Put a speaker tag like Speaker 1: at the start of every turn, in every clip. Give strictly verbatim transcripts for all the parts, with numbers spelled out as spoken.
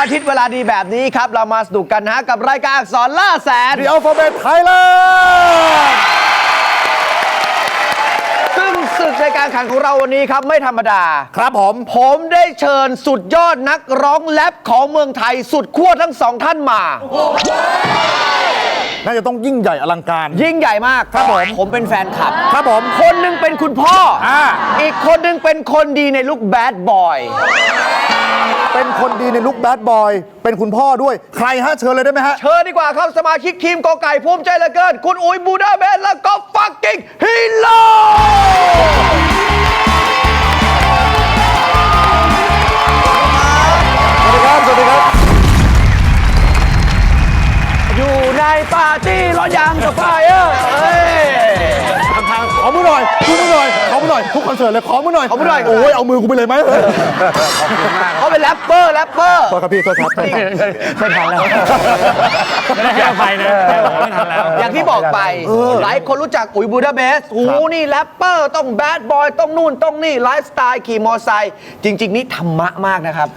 Speaker 1: อาทิตย์เวลาดีแบบนี้ครับเรามาสนุกกันนะกับรายการอักษรล่าแสน
Speaker 2: The Alphabet Thailand
Speaker 1: ซึ่งศึกในการแข่งของเราวันนี้ครับไม่ธรรมดา
Speaker 2: ครับผม
Speaker 1: ผมได้เชิญสุดยอดนักร้องแรปของเมืองไทยสุดขั้วทั้งสองท่านมา
Speaker 2: น่าจะต้องยิ่งใหญ่อลังการ
Speaker 1: ยิ่งใหญ่มาก
Speaker 2: ครับผม
Speaker 1: ผมเป็นแฟนคลับ
Speaker 2: ครับผม
Speaker 1: คนหนึงเป็นคุณพ่ออา อีกคนหนึงเป็นคนดีในลุคแบดบอย
Speaker 2: เป็นคนดีในลุคแบดบอยเป็นคุณพ่อด้วย ใครฮะเชิญเลยได้ไหมฮะ
Speaker 1: เชิญดีกว่าครับสมาชิกทีมกอไก่ภูมิใจเหลือเกิน คุณอุ๋ยบูดาเบสและก็ฟักกิ้งฮีโร่
Speaker 2: สวัสดีครับ สวัสดีครับ
Speaker 1: อยู่ในปาร์ตี้ร้อนยางกับไฟเออเอ้ย
Speaker 2: ทางทางขอมือหน่อยขอมือหน่อยขอมือหน่อย ทุกคอนเสิร์ตเลย ขอมือหน่อย
Speaker 1: ขอมือหน่อย
Speaker 2: โอ้ย เอามือกูไปเลยไหม
Speaker 1: เขาเป็นแรปเปอร์แรปเปอร์
Speaker 2: โทษครับพี่โทษครับโทษครับไม่ทันแล้ว
Speaker 3: ไม่ได้ให้อภัยนะไม่ทันแล้ว
Speaker 1: อย่างที่บอกไป หลายคนรู้จักอุ๋ยบูดาเบสโอ้โหนี่แรปเปอร์ต้องแบดบอยต้องนู่นต้องนี่ไลฟ์สไตล์ขี่มอไซค์จริง ๆ นี่ธรรมะมากนะครับ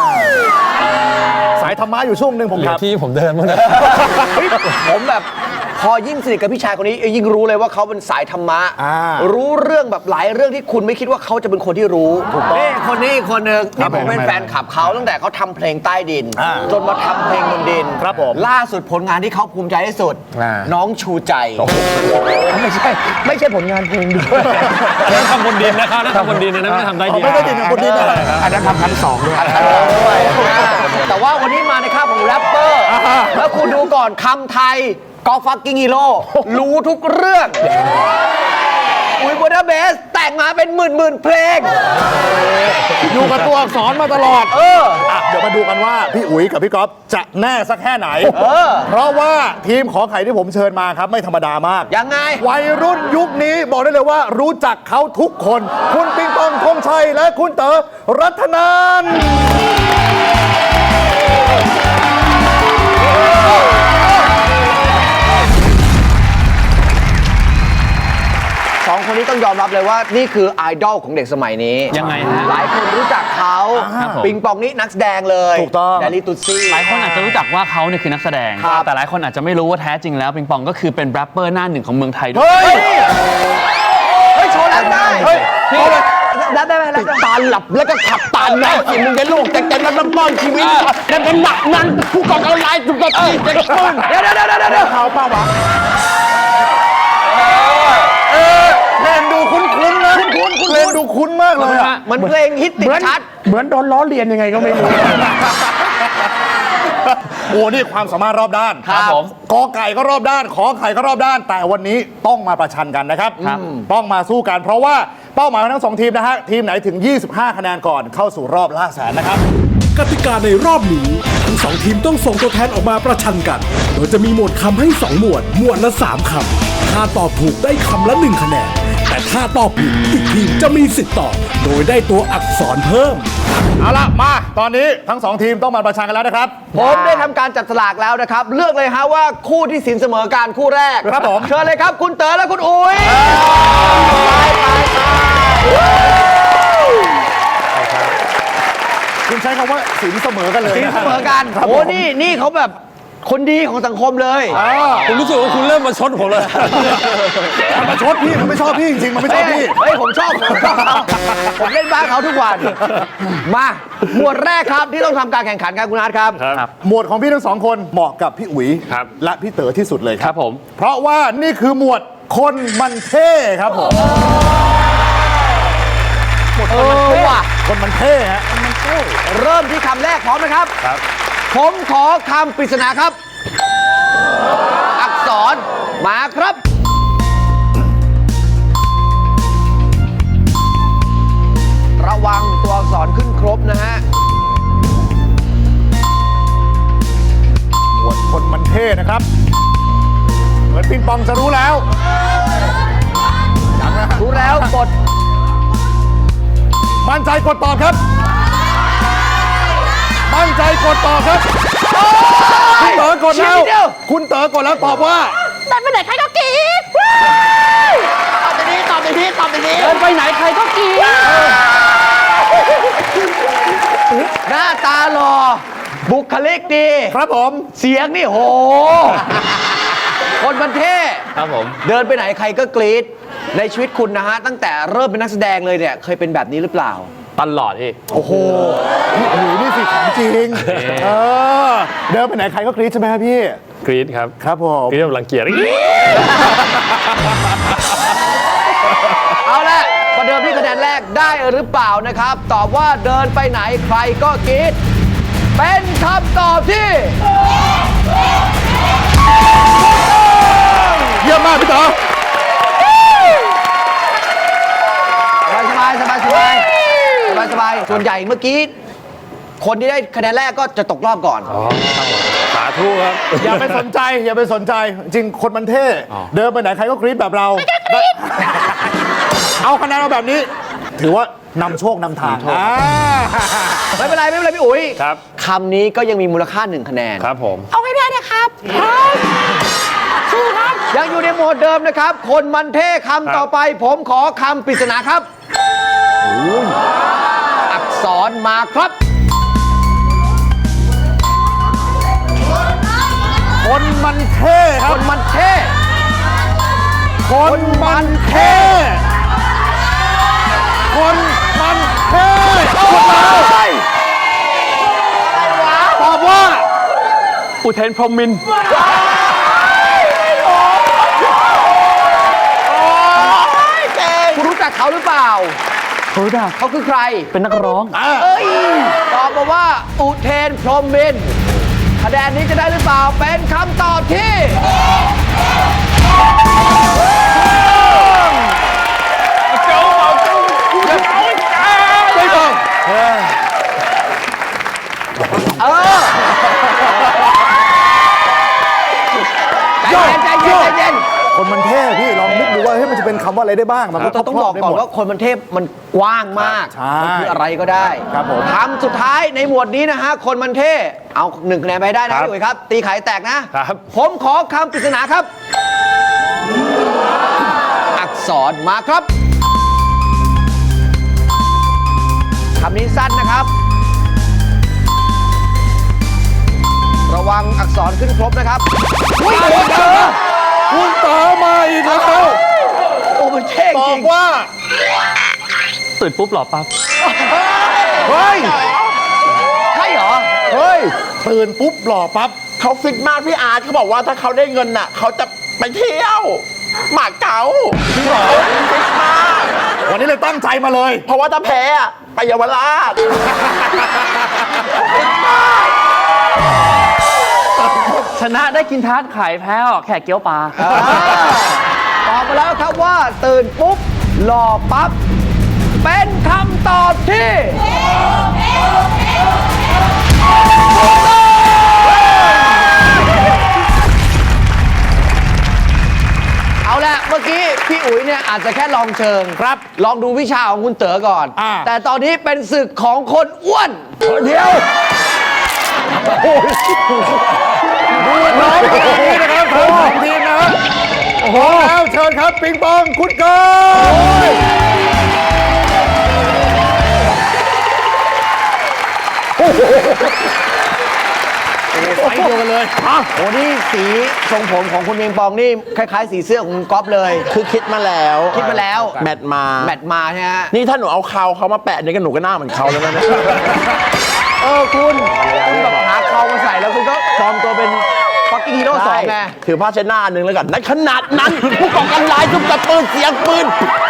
Speaker 2: สายธรรมะอยู่ช่วงหนึ่งผม
Speaker 3: เหลื
Speaker 2: ค
Speaker 3: อ
Speaker 2: รับ
Speaker 3: ที่ผมเดินมั้งนะ
Speaker 1: เฮ้ยผมแบบพอยิ่งสนิทกับพี่ชายคนนี้ยิ่งรู้เลยว่าเขาเป็นสายธรรมะ
Speaker 2: อ่า
Speaker 1: รู้เรื่องแบบหลายเรื่องที่คุณไม่คิดว่าเขาจะเป็นคนที่รู้นี่คนนี้อีกคนหนึ่งนี่ผมเป็นแฟนคลับเขาตั้งแต่เขาทำเพลงใต้ดิน
Speaker 2: อ่า
Speaker 1: จนมาทำเพลงบนดิน
Speaker 2: ครับผม
Speaker 1: ล่าสุดผลงานที่เขาภูมิใจที่สุด
Speaker 3: อ่า
Speaker 1: น้องชูใจไม่ใช่ไม่ใช่ผลงานเพลงด้วย
Speaker 3: นั่นทำบนดินนะครับนั่นทำบนดินนะไม่ได้ทำใต้ดิน
Speaker 2: ไม่ได้ดินบนดินนะ
Speaker 3: อันนั้นทำชั้นสองด้วย
Speaker 1: แต่ว่าวันนี้มาในค่าของแรปเปอร์ แล้วคุณดูก่อนคำไทยก็ฟักกิ้งฮีโร่รู้ทุกเรื่อง อุ๋ยบูดาเบสแต่งมาเป็นหมื่นหมื่นเพลง
Speaker 2: อยู่กับตัวอักษรมาตลอด
Speaker 1: เออ
Speaker 2: อ่ะเดี๋ยวมาดูกันว่าพี่อุ๋ยกับพี่ก๊อฟจะแน่สักแค่ไหน
Speaker 1: เออ
Speaker 2: เพราะว่าทีมขอไข่ที่ผมเชิญมาครับไม่ธรรมดามาก
Speaker 1: ยังไง
Speaker 2: วัยรุ่นยุคนี้บอกได้เลยว่ารู้จักเขาทุกคน คุณปิงปองธงชัยและคุณเต๋อรัตนันท์
Speaker 1: สองคนนี้ต้องยอมรับเลยว่านี่คือไอดอลของเด็กสมัยนี้
Speaker 3: ยังไงฮะ
Speaker 1: หลายคนรู้จักเขา
Speaker 3: ครับผม
Speaker 1: ปิงปองนี่นักแสดงเลย
Speaker 2: ถูกต้อง
Speaker 1: แดลี่ตุซี่
Speaker 3: หลายคนอาจจะรู้จักว่าเขาเนี่ยคือนักแสดง
Speaker 1: ครับ
Speaker 3: แต่หลายคนอาจจะไม่รู้ว่าแท้จริงแล้วปิงปองก็คือเป็นแรปเปอร์หน้าหนึ่งของเมืองไทยด้วย
Speaker 2: เฮ้ย
Speaker 1: เฮ้ยโชว์แล้วได้
Speaker 2: เฮ้ย
Speaker 1: พี่แล้วได้ไหมแล้วได้
Speaker 2: ตาหลับแล้วก็ขับตาแม่สิมึงจะลูกแต่แต่นั้นป้อนชีวิตแต่เป็นหนักนั้นผู้ก่อการร้ายจุดตัดที่จะป้อน
Speaker 1: เดี๋ยวเดี๋ยวเดี๋ยวเดี๋ยว
Speaker 2: เขาเปล่าวะเออเพลงดูคุ้นๆนะคุ้นๆเพลงดูคุ้นมากเลยอะ
Speaker 1: เหมือนเพลงฮิตติดชัด
Speaker 4: เหมือนโดนล้อเลียนยังไงก็ไม่รู้
Speaker 2: โอ้นี่ความสามารถรอบด้าน
Speaker 1: ครับผม
Speaker 2: กอไก่ก็รอบด้าน ขอไข่ก็รอบด้าน แต่วันนี้ต้องมาประชันกันนะครับ ต้องมาสู้กัน เพราะว่าเป้าหมายของทั้งสองทีมนะฮะ ทีมไหนถึง ยี่สิบห้า คะแนนก่อนเข้าสู่รอบล่าแสนนะครับ
Speaker 5: กติกาในรอบนี้ทั้งสองทีมต้องส่งตัวแทนออกมาประชันกัน โดยจะมีหมวดคำให้สองหมวด หมวดละสามคำถ้าตอบถูกได้คำละหนึ่งคะแนน แต่ถ้าตอบผิดอีกทีมจะมีสิทธิ์ตอบ โดยได้ตัวอักษรเพิ่ม
Speaker 2: เอาละมา ตอนนี้ทั้งสองทีมต้องมาประชันกันแล้วนะครับ
Speaker 1: ผมได้ทำการจับสลากแล้วนะครับ เลือกเลยฮะว่าคู่ที่สินเสมอการคู่แรก
Speaker 2: ครับผม
Speaker 1: เชิญเลยครับคุณเต๋อและคุณอุ๋ยไปไปไป
Speaker 2: คุณใช้คำว่าสินเสมอกันเลย
Speaker 1: สิน
Speaker 2: นะ
Speaker 1: เสมอกัน
Speaker 2: ครับ
Speaker 1: โอ้
Speaker 2: ผม
Speaker 1: นี่นี่เขาแบบคนดีของสังคมเลย
Speaker 2: อ่า
Speaker 3: ผมรู้สึกว่าคุณเริ่มมาชดผมเลย
Speaker 2: มันมาชดพี่มันไม่ชอบพี่จริงๆมันไม่ชอบพี่
Speaker 1: เฮ้ยผมชอบผมชอบเขาผมเล่นบ้านเขาทุกวัน มาหมวดแรกครับที่ต้องทำการแข่งขันกันคุณอาร์ตครับ
Speaker 3: ครับ
Speaker 2: หมวดของพี่ทั้งสองคนเหมาะกับพี่อุ๋ย
Speaker 3: ครับ
Speaker 2: และพี่เต๋อที่สุดเลยค
Speaker 3: ค
Speaker 2: รั
Speaker 3: รับ บผม
Speaker 2: เพราะว่านี่คือหมวดคนมันเท่ครับผม
Speaker 1: เออว่ะ
Speaker 2: คนมันเท่ฮะ
Speaker 1: เริ่มที่คำแรกพร้อมนะครับ
Speaker 2: ครับ
Speaker 1: ผมขอคำปริศนาครับ อักษรมาครับ ระวังตัวอักษรขึ้นครบนะฮะ
Speaker 2: หมวดคนมันเท่นะครับ เหมือนปิงปองจะรู้แล้วยังนะฮะ
Speaker 1: รู้แล้วกด
Speaker 2: มั่นใจกดตอบครับ มั่นใจกดตอบครับคุณเต๋อกดแล้ว
Speaker 1: ชี้นิดเดียว
Speaker 2: คุณเต๋อกดแล้วตอบว่า
Speaker 6: เดินไปไหนใครก็กรี๊ดตอบไปนี้ตอบไปนี้ตอบไปนี้
Speaker 1: เดินไปไหนใครก็กรี๊ดหน้าตาหล่อบุคลิกดี
Speaker 2: ครับผม
Speaker 1: เสียงนี่โห คนมันเท่
Speaker 3: ครับผม
Speaker 1: เดินไปไหนใครก็กรี๊ดในชีวิตคุณนะฮะ ตั้งแต่เริ่มเป็นนักแสดงเลยเนี่ย เคยเป็นแบบนี้หรือเปล่า
Speaker 3: ตลอดพี่
Speaker 1: โอ้โห
Speaker 2: พี่อุ๋ยนี่สิของจริง เออ เดินไปไหนใครก็กรี๊ดใช่ไหมครับพี่
Speaker 7: กรี๊ดครับ
Speaker 2: ครับผม
Speaker 7: กรี๊ดแบบรังเกียจ
Speaker 1: เอาละประเดิมที่คะแนนแรกได้หรือเปล่านะครับ ตอบว่าเดินไปไหนใครก็กรี๊ดเป็นคำตอบที่
Speaker 2: เยี่ยมมากพี่ต่อ
Speaker 1: สบายสบายสบายสบายสบายสบายส่วนใหญ่เมื่อกี้ คนที่ได้คะแนนแรกก็จะตกรอบก่อน
Speaker 7: สาธุครับ
Speaker 2: อย่าไปสนใจ อย่าไปสนใจ จริงคนมันเท่ เดินไปไหนใครก็กรี๊ดแบบเราได้เอาคะแนนมาแบบนี้ ถือว่านำโชคนำทางอ่า
Speaker 1: ไม่เป็นไรไม่เป็นไรพี่อุ๋ย
Speaker 7: ครับ
Speaker 1: คำนี้ก็ยังมีมูลค่าหนึ่งคะแนน
Speaker 7: ครับผม
Speaker 1: เอาให้ได้นะครับสู้ครับ ยังอยู่ในโหมดเดิมนะครับ คนมันเท่คำต่อไป ผมขอคำปริศนาครับ อักษรมาครับ
Speaker 2: คนมันเท่ค
Speaker 1: ครับ นมันเท่
Speaker 2: คนมันเท่ คนมันเท่ตอบว่า
Speaker 3: อุเทนพรหมมินทร์
Speaker 1: คุณรู้จักเขาหรือเปล่า
Speaker 3: รู้จัก
Speaker 1: เขาคือใคร
Speaker 3: เป็นนักร้อง
Speaker 1: เอ้ย ตอบมาว่าอุเทนพรหมมินทร์คะแนนนี้จะได้หรือเปล่า เป็นคำตอบที่
Speaker 2: ไม่ต้อง
Speaker 1: เออ ใจเย็นใจเย็นใจเย็น
Speaker 2: คนมันเท่พี่ลองนึกดูว่าเฮ้ยมันจะเป็นคำว่าอะไรได้บ้าง มันก็
Speaker 1: เราต้องบอกก่อนว่าคนมันเทพมันกว้างมาก
Speaker 2: ใช่
Speaker 1: มันคืออะไรก็ได้
Speaker 2: ครับผม
Speaker 1: คำสุดท้ายในหมวดนี้นะฮะ คนมันเทพเอาหนึ่งคะแนนไปได้นะพี่อุ๋ยครับ ตีไข่แตกนะ
Speaker 7: ครับ
Speaker 1: ผมขอคำปริศนาครับ อักษรมาครับคำนี้สั้นนะครับ ระวังอักษรขึ้นครบนะครับอุ๊ยโอ้เธอ
Speaker 2: คุณต่อมาอีกแล้ว
Speaker 1: โอ้มันเท่
Speaker 2: ตอ
Speaker 1: จริ
Speaker 2: บ
Speaker 1: ง
Speaker 2: ว่า
Speaker 3: ตื่นปุ๊บหล่อปั๊บ
Speaker 2: เฮ้ย
Speaker 1: ใช่เหรอ
Speaker 2: เฮ้ย ตื่นปุ๊บหล่อปั๊บ
Speaker 6: เขาฟิตมากพี่อาร์ตเขาบอกว่าถ้าเขาได้เงินน่ะเขาจะไปเที่ยวหมาเก๋า
Speaker 2: จริงเหรอ
Speaker 6: ฟิตมาก
Speaker 2: วันนี้เลยตั้งใจมาเลย
Speaker 6: เพราะว่าถ้าแพ้อะไปเยาวราช
Speaker 3: ชนะได้กินทาร์ตไข่แพ้ออกแขกเกี๊ยวปลา
Speaker 1: ตอบมาแล้วครับว่าตื่นปุ๊บหล่อปั๊บ เป็นคำตอบที่เอาละเมื่อกี้พี่อุ๋ยเนี่ยอาจจะแค่ลองเชิง
Speaker 2: ครับ
Speaker 1: ลองดูวิชาของคุณเต๋อก่อน
Speaker 2: อ่า
Speaker 1: แต่ตอนนี้เป็นศึกของคนอ้วน
Speaker 2: เดียวดูน้องขนาดนี้นะครับทั้งสองทีมนะฮะโอ้โหแล้วเชิญครับปิงปองคุณเกิร์ลไฟเดียวกันเลย
Speaker 1: โอ้นี่สีทรงผมของคุณเมียงปองนี่คล้ายๆ สีเสื้อของคุณก๊อฟเลย
Speaker 6: คือคิดมาแล้ว
Speaker 1: คิดมาแล้ว
Speaker 6: แมทมา
Speaker 1: แมทมาใช่ไหมฮะ
Speaker 6: นี่ถ้าหนูเอาเขาเขามาแปะเนี่ยก็หนูก็หน้าเหมือนเขาแล้วนะ
Speaker 1: เออคุณคุณแบบหาเขามาใส่แล้วคุณก็ปลอมตัวเป็นฟักกิ้งฮีโร่สองไง
Speaker 6: ถือผ้าเช็ดหน้าอันหนึ่งแล้วกันในขนาดนั้น ผู้ก่อการร้ายทุบกระปืนเสียงปืน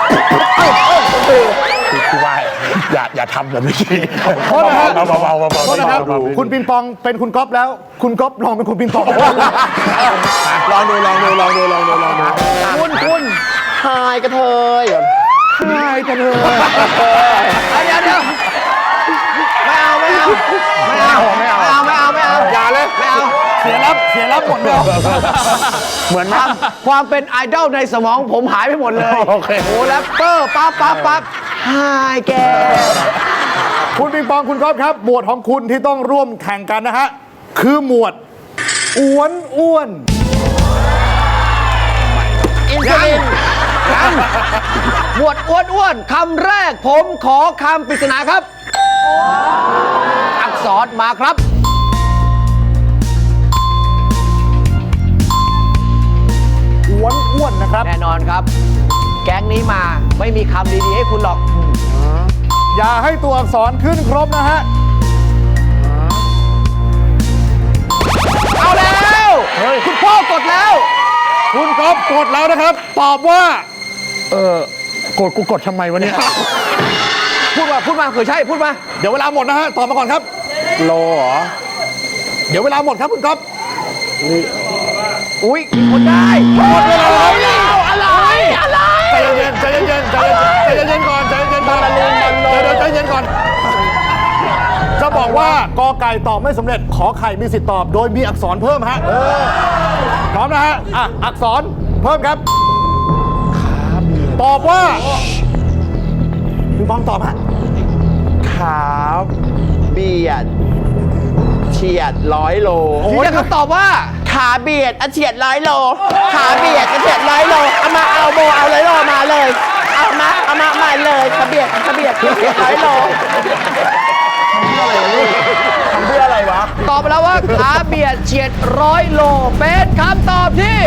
Speaker 6: คือว่าอย่าอย่าทำแบบนี้
Speaker 2: โทษนะครับ
Speaker 6: เบาๆเบาๆเบาๆ
Speaker 2: โทษนะครับ คุณปิงปองเป็นคุณก๊อฟแล้ว คุณก๊อฟลองเป็นคุณปิงปอง
Speaker 6: ลองดูลองดูลองดูลองดูลองดู
Speaker 1: คุณคุณ
Speaker 6: ทายกระเทย
Speaker 2: ใช่กันเลย
Speaker 1: เดี๋ยวเดี๋ยวไม่เอาไม่เอาไม่เอาไม่เอาไม่เอาไม่เอา
Speaker 2: อย่าเลย
Speaker 1: ไม่เอา
Speaker 2: เสียรับเสียรับหมดเลย
Speaker 1: เหมือนความความเป็นไอดอลในสมองผมหายไปหมดเลยโอเคโอ้แรปเปอร์ปั๊บปั๊บปั๊บหายแก
Speaker 2: คุณปิงปองคุณก๊อฟครับ หมวดของคุณที่ต้องร่วมแข่งกันนะฮะ คือหมวดอ้วนอ้วน
Speaker 1: อินซูลินยังหมวดอ้วนอ้วนคำแรกผมขอคำปริศนาครับ อักษรมาครับอนครับ แก๊งนี้มาไม่มีคำดีๆให้คุณหรอก
Speaker 2: อย่าให้ตัวอักษรขึ้นครบนะฮะ
Speaker 1: เอาแล้วคุณพ่อกดแล้ว
Speaker 2: คุณก๊อฟกดแล้วนะครับ ตอบว่า
Speaker 4: เออกดกูกดทำไมวะเนี่ย
Speaker 1: พูดมาพูดมาเผื่อใช่พูดมา
Speaker 2: เดี๋ยวเวลาหมดนะฮะ ตอบมาก่อนครับ
Speaker 4: โลเหรอ
Speaker 2: เดี๋ยวเวลาหมดครับคุณก๊อฟ
Speaker 1: อุ้ยมีคนได้
Speaker 2: หมดเวลาแล้ว
Speaker 1: อะไรอะไร
Speaker 2: ใจเย็นๆใจเย็นๆใจเย็นๆใจเย็นๆก่อนใจเย็นๆก่อนเดี๋ยวๆใจเย็นก่อน จะบอกว่ากอไก่ตอบไม่สำเร็จ ขอไข่มีสิทธิ์ตอบ โดยมีอักษรเพิ่มฮะพร้อมนะฮะอ่ะอักษรเพิ่มครับ ตอบว่าพี่บอมตอบฮะ
Speaker 6: ขาเบียดเฉียดร้อยโล
Speaker 1: ยืนยันคำตอบว่า
Speaker 6: ขาเบียดอะเฉียดร้อยโล ขาเบียดอะเฉียดร้อยโล เอามาเอาโบเอาร้อยโลมาเลย เอามาเอามามาเลยขาเบียดขาเบียดเฉียดร้อยโลทำเพื่ออะไรวะ
Speaker 1: ตอบไปแล้วว่าขาเบียดเฉียดร้อยโลเป็นคำตอบที่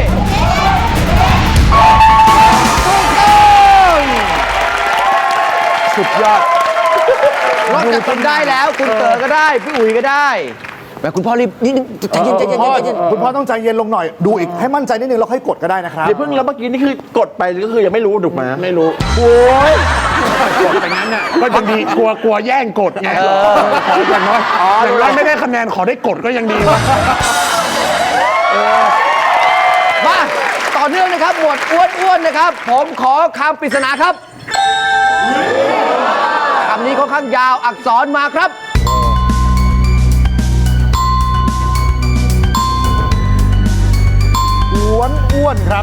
Speaker 1: ถูกต้อง
Speaker 4: สุดยอด
Speaker 1: นอกจากคุณได้แล้ว คุณเต๋อก็ได้ พี่อุ๋ยก็ได้แม่คุณพ่อรีบนิดนึงใจเย็นใจเย็น
Speaker 2: พ่อ
Speaker 1: ใจเย็น
Speaker 2: คุณพ่อต้องใจเย็นลงหน่อย ดูอีกให้มั่นใจนิดนึงแล้วค่อยกดก็ได้นะครับ
Speaker 6: เดี๋ยวเพิ่งแล้วเมื่อกี้นี่คือกดไปก็คือยังไม่รู้ถูกไหม
Speaker 4: ไม่รู้
Speaker 6: โอ้ย
Speaker 4: กดไปงั้นน่ะก็ยังดีกลัวกลัวแย่งกดไงขออย่างน้อยอย่างน้อยไม่ได้คะแนนขอได้กดก็ยังดีวะ
Speaker 1: มาต่อเนื่องนะครับ หมวดอ้วนๆนะครับ ผมขอคำปริศนาครับคำนี้ค่อนข้างยาวอักษรมาครับ
Speaker 2: อ้วนอ้วนครับ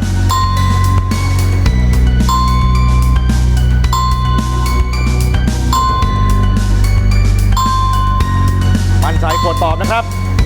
Speaker 2: มั่นใจกดตอบนะครับ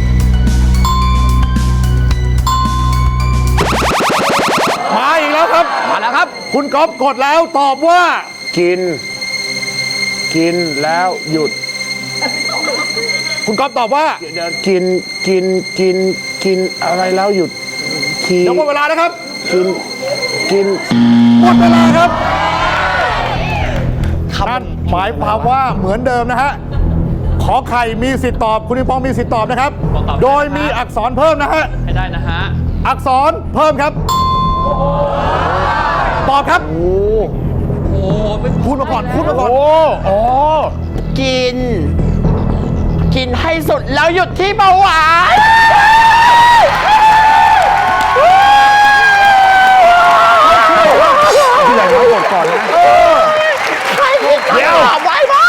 Speaker 2: มาอีกแล้วครับ
Speaker 1: มาแล้วครับ
Speaker 2: คุณก๊อฟกดแล้วตอบว่า
Speaker 4: กิน กินแล้วหยุด
Speaker 2: คุณก๊อฟตอบว่า
Speaker 4: เดี๋ยวกินกินกินกินอะไรแล้วหยุดที
Speaker 2: เดี๋ยวหมดเวลานะครับ
Speaker 4: กินกิน
Speaker 2: หมดเวลาครับนั่นหมายความว่าเหมือนเดิมนะฮะ ขอไข่มีสิทธิ์ตอบ คุณนิปองมีสิทธิ์ตอบนะครับ โดยมีอักษรเพิ่มนะฮะ
Speaker 3: ให้ได้นะฮะ
Speaker 2: อักษรเพิ่มครับ ตอบครับ พูดมาก่อน พูดมาก่อน
Speaker 4: โอ้
Speaker 6: กิน กินให้สุดแล้วหยุดที่เบาหวาน
Speaker 4: ที่ไหนมากดก่อนนะ
Speaker 6: ใครผิดคำตอบไว้บ้า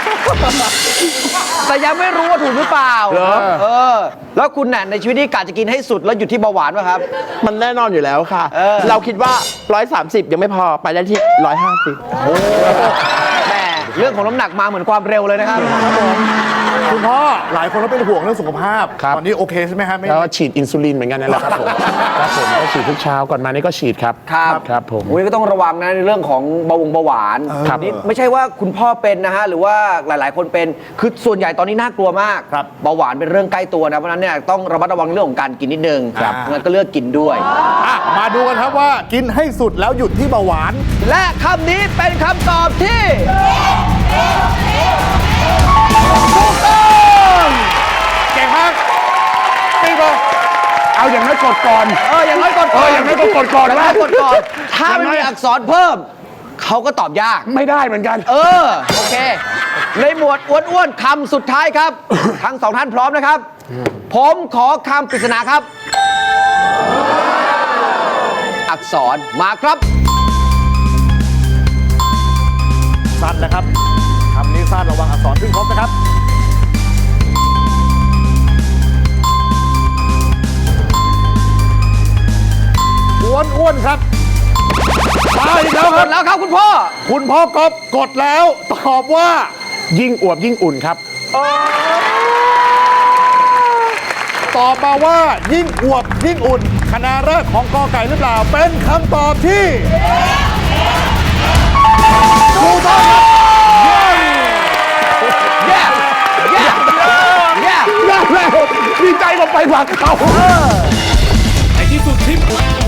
Speaker 1: แต่ยังไม่รู้ว่าถูกหรือเปล่าเออ แล้วคุณน่ะในชีวิตนี้กะจะกินให้สุดแล้วหยุดที่เบาหวานป่ะครับ
Speaker 6: มันแน่นอนอยู่แล้วค่ะ
Speaker 1: เออ
Speaker 6: เราคิดว่า ร้อยสามสิบ ยังไม่พอไปได้ที่ ร้อยห้าสิบ
Speaker 1: แหม่เรื่องของน้ำหนักมาเหมือนความเร็วเลยนะครับ
Speaker 2: คุณพ่อหลายคนก็เป็นห่วงเรื่องสุขภาพ
Speaker 4: ครับ
Speaker 2: ตอนนี้โอเคใช่ไหมฮะไม่
Speaker 4: แล้วฉีดอินซูลินเหมือนกันนั่นแหละครับผมครับผมก็ฉีดทุกเช้าก่อนมานี่ก็ฉีดครับ
Speaker 1: ครับ
Speaker 4: ครับผม
Speaker 1: อุ้ยก็ต้องระวังนะในเรื่องของเบาหวงเบาหวาน
Speaker 4: ครับ
Speaker 1: นี่ไม่ใช่ว่าคุณพ่อเป็นนะฮะหรือว่าหลาย ๆ คนเป็นคือส่วนใหญ่ตอนนี้น่ากลัวมาก
Speaker 2: ครับ
Speaker 1: เบาหวานเป็นเรื่องใกล้ตัวนะเพราะฉะนั้นเนี่ยต้องระมัดระวังเรื่องของการกินนิดนึง
Speaker 2: ครับ
Speaker 1: งั้นก็เลือกกินด้วย
Speaker 2: อ่ะมาดูกันครับว่ากินให้สุดแล้วหยุดที่เบาหวาน
Speaker 1: และคำนี้เป็นคำตอบที่ถูกต้อง
Speaker 2: เก่งมากปีบอ
Speaker 4: เอาอย่างน้อยกดก่อน
Speaker 1: เอออย่างน้อยกด
Speaker 4: เอออย่างน้อยก็กดก่อน
Speaker 1: อย่างน้อยกดก่อนถ้าไม่มีอักษรเพิ่ม เขาก็ตอบยาก
Speaker 4: ไม่ได้เหมือนกัน
Speaker 1: เออ โอเคในหมวดอ้วนๆคำสุดท้ายครับ ทั้งสองท่านพร้อมนะครับ ผมขอคำปริศนาครับ อักษรมาครับ
Speaker 2: สั้นนะครับคำนี้สั้นระวังอักษรขึ้นครบนะครับ อ้วนอ้วนๆครับมาอีกแล้ว
Speaker 1: ก
Speaker 2: ครั
Speaker 1: ด
Speaker 2: บ
Speaker 1: แล้วครับคุณพ่อ
Speaker 2: คุณพ่อก๊อฟกดแล้วตอบว่า
Speaker 4: ยิ่งอวบยิ่งอุ่นครับ
Speaker 2: ตอบมาว่ายิ่งอวบยิ่งอุ่นคณะแรกของกอไก่หรือเปล่า เป็นคำตอบที่ถูกต้องครับ
Speaker 1: แย่แย่แย่
Speaker 4: ยากแล้วดีใจกว่าไปผักเขา
Speaker 5: ในที่สุดทีมอุด